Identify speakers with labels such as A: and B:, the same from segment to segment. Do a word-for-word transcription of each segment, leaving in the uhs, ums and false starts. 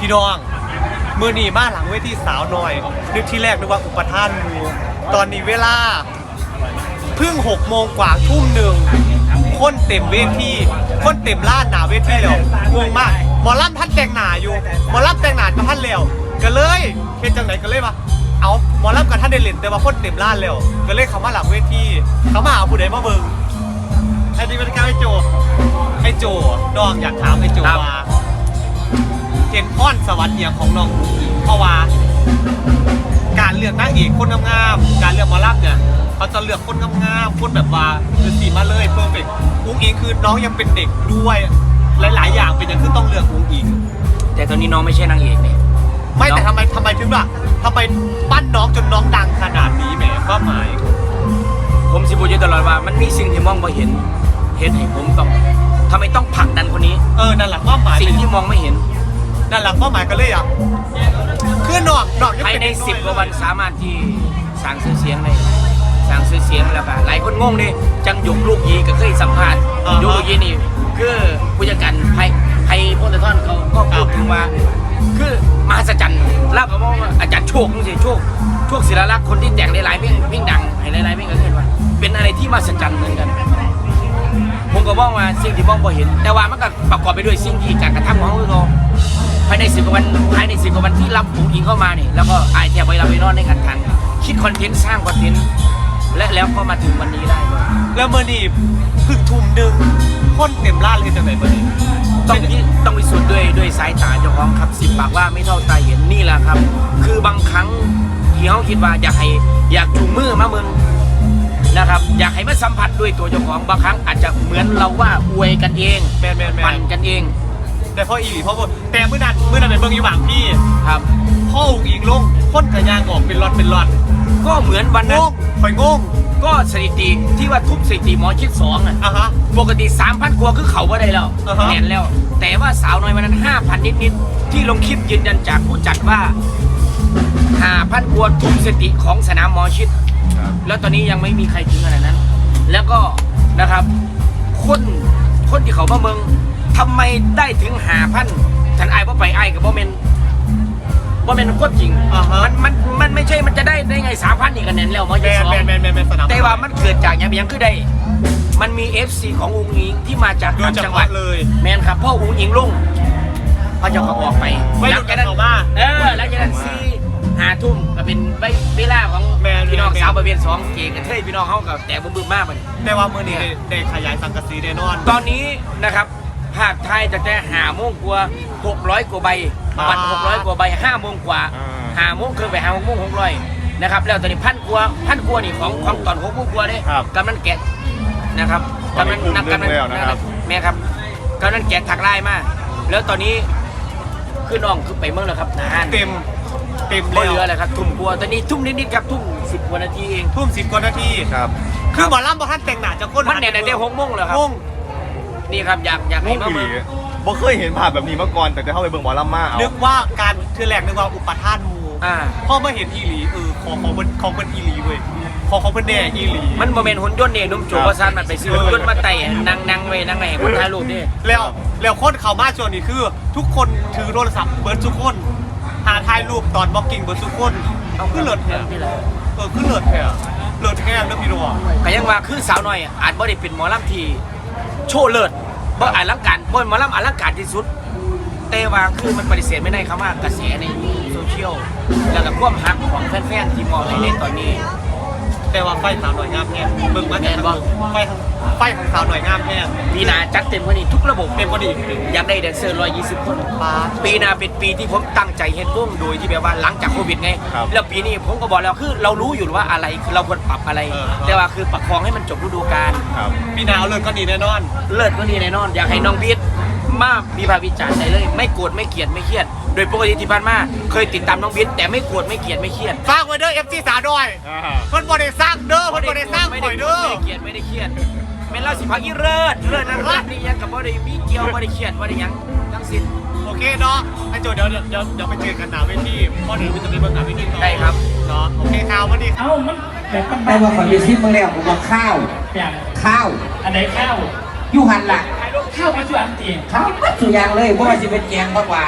A: พี่น้องมือหนีมาหลังเวทีสาวหน่อยนึกที่แรกนึกว่าอุปทานมูตอนนี้เวลาเพิ่งหกโมงกว่าทุ่มหนึ่งคนเต็มเวทีคนเต็มล้านหนาเวทีแล้วงงมากหมอลำท่านแต่งหนาอยู่หมอลำแต่งหนากับท่านแล้วก็เลยเฮ็ดจังไหนก็เลยว่าเอาหมอลำกับท่านได้เล่นแต่ว่าคนเต็มล้านแล้วก็เลยเขามาหลังเวทีเขามาหาผู้ใดมาเบิ่งไอ้นี่เป็นการไอ้โจไอ้โจน้องอยากถามไอ้โจว่าเห็นอ้อนสวัสดิ์อย่างของน้องเพราะว่าการเลือกนางเอกคนงามๆการเลือกหมอลำเนี่ยเขาจะเลือกคนงามๆคนแบบว่าคือสีมาเลยเพอร์เฟกต์อุ้งอิงคือน้องยังเป็นเด็กด้วยหลายๆอย่างเป็นอย่างคือต้องเลือกอุ้งอิง
B: แต่ตอนนี้น้องไม่ใช่นางเอกเนี่ย
A: ไม่แต่ทำไมทำไมถึงล่ะทำไมปั้นน้องจนน้องดังขนาดนี้แหมก็หมาย
B: ผมสิพูดอยู่ตลอดว่ามันมีสิ่งที่มองไม่เห็นเห็นให้ผมต้องทำไมต้องผลักดันคนนี้
A: เออนั่นแหละก็หมาย
B: สิ่งที่มองไม่เห็น
A: นั่นแหละก็หมายกันเลยอ่ะคือนอกนอก
B: ภายในสิบกว่าวันสามารถที่สร้างชื่อเสียงได้สร้างชื่อเสียงแล้วก็หลายคนงงดิจังหยกลูกยีก็เคยสัมภาษณ์ยกลูกยีนี่คือผู้จัดการไพ่ไพ่พลตะท่อนเขาก็พูดถึงว่าคือมหัศจรรย์เล่ากับว่าอาจารย์โชคนี่สิโชคโชคศิลาลักษณ์คนที่แต่งหลายๆเพลงเพลงดังให้หลายๆเพลงก็เห็นว่าเป็นอะไรที่มหัศจรรย์เหมือนกันผมก็มองว่าสิ่งที่มองพอเห็นแต่ว่ามันก็ประกอบไปด้วยสิ่งที่การกระทำของเราภายในสิบกว่าวันภายในสิบกว่าวันที่รับผู้หญิงเข้ามาเนี่ยแล้วก็อายแทบไปรับไปนอนในกันทันคิดคอนเทนต์สร้างคอนเทนต์และแล้วก็มาถึงวันนี้ได้
A: แล้วเมื่อนี้พึ่งทุ่มหนึ่งคนเต็มร้านเลยจังไหนเมื่อนี้
B: ต้องต้องพิสูจน์ด้วยด้วยสายตาเจ้าของครับสิบปากว่าไม่เท่าตาเห็นนี่แหละครับคือบางครั้งที่เขาคิดว่าอยากให้อยากจูงมือมาเมืองนะครับอยากให้มาสัมผัสด้วยตัวเจ้าของบางครั้งอาจจะเหมือนเราว่าอวยกันเอง
A: แมนแมน
B: ปั่นกันเอง
A: แต่พ่ออีหลีพ่อแต่เมื่อนั้นเมื่อนั้นเป็นเบิ่งอยู่หวังพี่
B: ครับ
A: พ่ออุ้งอิงลงพ้นกระยางออกเป็นรอนเป็นรอน
B: ก็เหมือนวันนั้น
A: คอยงง
B: ก็สถิติที่ว่าทุบสถิติหมอชิดสองอ่ะปกติสามพันกว่าคือเขาก็ได้แล้วแน่นแล้วแต่ว่าสาวน้อยวันนั้นห้าพันนิดๆที่ลงคลิปยืนยันจากผู้จัดว่าห้าพันกว่าทุบสถิติของสนามหมอชิดแล้วตอนนี้ยังไม่มีใครถึงขนาดนั้นแล้วก็นะครับคนคนที่เขามาเมืองทำไมได้ถึงหาพันฉันไอ้ว่าไปไอ้กับว่าเมนว่าเมนโคตรจริงมันมันมันไม่ใช่มันจะได้ได้ไงสามพันอีกกันแน่นแล้วมอชิดสองแต่ว่ามันเกิดจากอย่างยังคือได้มันมี เอฟ ซี ของอุ้งอิงที่มาจากต่างจังหวัด
A: เลย
B: แมนครับพ่ออุ้งอิงลงเขาจะเขาออกไป
A: ไม่หลุดกันออกมา
B: เออแล้วจากนั้นซีหาทุ่มก็เป็นเวลาของพี่น้องสาวประเภทสองเก่งกันเท่พี่น้องเขากับแต่บึ้มๆมากมัน
A: แต่ว่ามือนี้ได้ขยายสังกะสีแน่นอน
B: ตอนนี้นะครับภาคไทยจะแต่หาโมงกว่าหกร้อยกว่าใบบัตรหกร้อยกว่าใบห้าโมงกว่าหาโมงคือไปหาโมงหกร้อยนะครับแล้วตอนนี้พันกว่าพันกว่านี่ของของตอนหกโมงกว่าเนี่ยกำนันแกะนะครับกำนันนักกำนันแม่ครับกำนันแกะถักลายมาแล้วตอนนี้คือน้องคือไปเมืองแล้วครับนาน
A: เต็มเต็ม
B: เรือเลยครับทุ่มกว่าตอนนี้ทุ่มนิดๆครับทุ่มสิบกว่านาทีเอง
A: ทุ่มสิบกว่านาที
C: ครับ
A: คือหมอลำบอท่านแต่งหนาจะก้น
B: มันเนี่ยได้หกโมงแล้วครับนี่ครับอยากอยากให้มาเมือง
C: บ่เคยเห็นภาพแบบนี้มาก่อนแต่จะเข้าไปเบิ่งหมอลำมาเอา
A: นึกว่าการคือแหลกนึกว่าอุปทานมูพ่อมาเห็นอีหลีเออของของเป็นของเป็นอีหลีเว้ยของของเป็นแน่อีหลี
B: มันโมเมนต์หุ่นยนต์เนี่ยนุ่มโจวซานมันไปซื้อหุ่นยนต์มาไต่นั่งนั่งไว้นั่งไงคนถ่ายรูปนี่
A: แล้วแล้วคนเขามาชวนนี่คือทุกคนถือโทรศัพท์เบิร์ดทุกคนหาถ่ายรูปตอนบล็อกกิ้งเบิร์ดทุกคนเอาขึ้นเลิศแท้เออขึ้นเลิศแท้เลิศแท้เรื่องพี่รัว
B: ก็ยังว่าคือสาวน้อยอาจบ่ได้เป็นหมอลำที่โชว์เลิศบ่อลังการบ่หมอลำอลังการที่สุดแต่ว่าคือมันปฏิเสธไม่ได้ครับว่ากระแสในโซเชียลแล้วก็ความฮักของแฟนๆที่มองในเล่นตอนนี้
A: แต่ว่าไฟสาวหน่อยงามแห้งเบิ่งมาแต่ว่าไฟไฟของสาวหน่อยงามแห้ง
B: ปีหน้าจัดเต็มกว่านี้ทุกระบบ
A: เต็มกว่านี้
B: อยากได้แดนเซอร์หนึ่งร้อยยี่สิบคนปีหน้าเป็นปีที่ผมตั้งใจเฮ็ดวงโดยที่แบบว่าหลังจากโควิดไงแล้วปีนี้ผมก็บอกแล้วคือเรารู้อยู่ว่าอะไรคือเราควรปรับอะไรแต่ว่าคือประคองให้มันจบฤดูกาล
A: ปีหน้าเลิศก็ดีแน่นอน
B: เลิศก็ดีแน่นอนอยากให้น้องบีทมามีภาพวิจารณ์ได้เลยไม่โกรธไม่เกลียดไม่เครียดโดยปกติที่ผ่านมาเคยติดตามน้องบิ๊กแต่ไม่โกรธไม่เกลียดไม่เครียด
A: ฝากไว้เด้อ เอฟ ซี สาวด้วยเพิ่นบ่ได้สร้างเด้อเพิ่นบ่ได้สร้างข่อยเด้อ
B: ไม่เกลียดไม่ได้เครียดเป็นราศีพักอีเลิศเลิศนั่นรักนี่ยังกับบ่ได้มีเกี่ยวบ่ได้เครียดบ่ได้ยังทั้งสิ้น
A: โอเคเนาะไอ้โจเดี๋ยวเดี๋ยวเดี๋ยวไปเจอกันหน้าเวทีพอเดี๋ยวมันจะมีเบิ่งหน้าเวทีต่อ
B: ได้ครับ
A: เนาะโอเคข่าววันนี้
D: เอ้ามันแต่
E: แต่ว่าขอยืนซิปมาแล้วผมบอกข้าวข้าว
D: อันไหนข้าว
E: ยูหันล่ะ
D: ข้าวมาช่วยอันตี
E: ข้าวสุยางเลยเพราะว่าจะเป็นแกงผักหวาน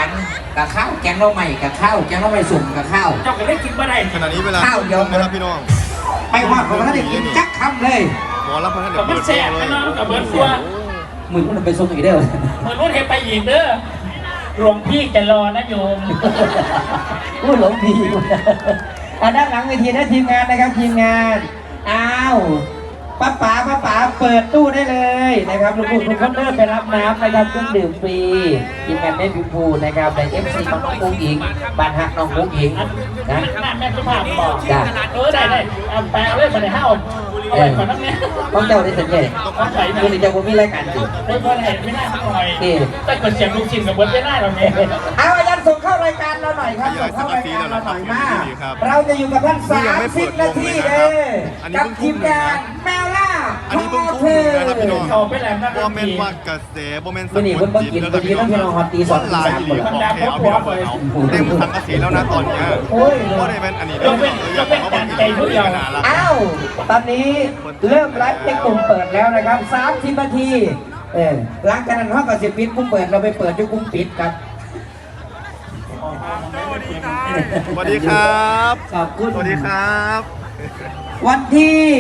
E: กับข้าวแกงเราใหม่กับข้าวแกงเราใหม่สุ่มกับข้าว
D: เจ้าก็ได้กินมาได้
C: ขณะนี้เวลา
E: ข้าวเดียว
C: นะครับพี่น้อง
E: ไปว่าของท่านได้กินจักคำเลย
C: หมอรับพระท่าน
D: กับ
C: เดี๋
D: มั
C: ย
D: น
C: ว
D: แส
C: เปิด
D: บ
C: เลย
D: นะน้องกับเบิร์ดตัว
E: มือมันไปส่งอีกเด้อ
D: เหมือนว่าเทไปอีกเด้อหลวงพี่จะรอนะโยม
E: พูดหลงผีอ่ะด้านหลังเวทีนะทีมงานนะครับทีมงานอ้าวป้าป๋าป้าป๋าเปิดตู้ได้เลยนะครับลูกๆทุกคนเริ่มไปรับน้ำนะครับเครื่องดื่มฟรีทีมงานแม่พิมพูนะครับในเอฟซีของน้องกุ้งอิงบ้านฮักน้องกุ้งอิงนะ
D: แม่แม่สุภาพบอก
E: จ้า
D: เออได้ได้เอาแปลเลยมาในห้าเอาไปก่อนน้ำเนี้ย
E: ต้องเจ้าได้สังเกต
D: ต้องใส่
E: คุณจะผมมีรายการสิ
D: ไม่พอเห็นไม่น่าหน่อยแต่กดเสียงลูกชิ้นกับเบิร์ดไม่ได้เราเนี่ย
E: เอาอาจารย์ส่งเข้ารายการเราหน่อยครับส่งเข้ารายการเราหน่อยมากเราจะอยู่กับท่านสามสิบนาทีเลยกับทีมงานแมวล่า
C: อันนี้เพิ่งทุ่มหนึ่งนะครับพี่น้อง
D: เขาไปแล้วนะ
C: บอมเมนว่ากระแสบอมเมน
E: วันนี้เพิ่งเพิ่งกินพอดีต้องพี่น้องฮอตตีสองตี
C: ลาย
E: สาม
C: ดี
E: คน
C: ของแถวพี่น้องเปิดเอาเต็มทั้งกระสีแล้วนะตอนเนี้ย
E: โอ้ย
C: เพราะได้เป็นอันนี้
D: เราเป็นเราเป็นการใจทุกอย่าง
E: อ้าวตอนนี้เริ่มไลฟ์ในกลุ่มเปิดแล้วนะครับสามสิบนาทีเออหลังจากนั้นห้องกับสิบปิดกลุ่มเปิดเราไปเปิดที่กลุ่มปิดครับ
C: สวัสดีครับ
E: ขอบคุณ
C: สวัสดีครับ
E: วันที่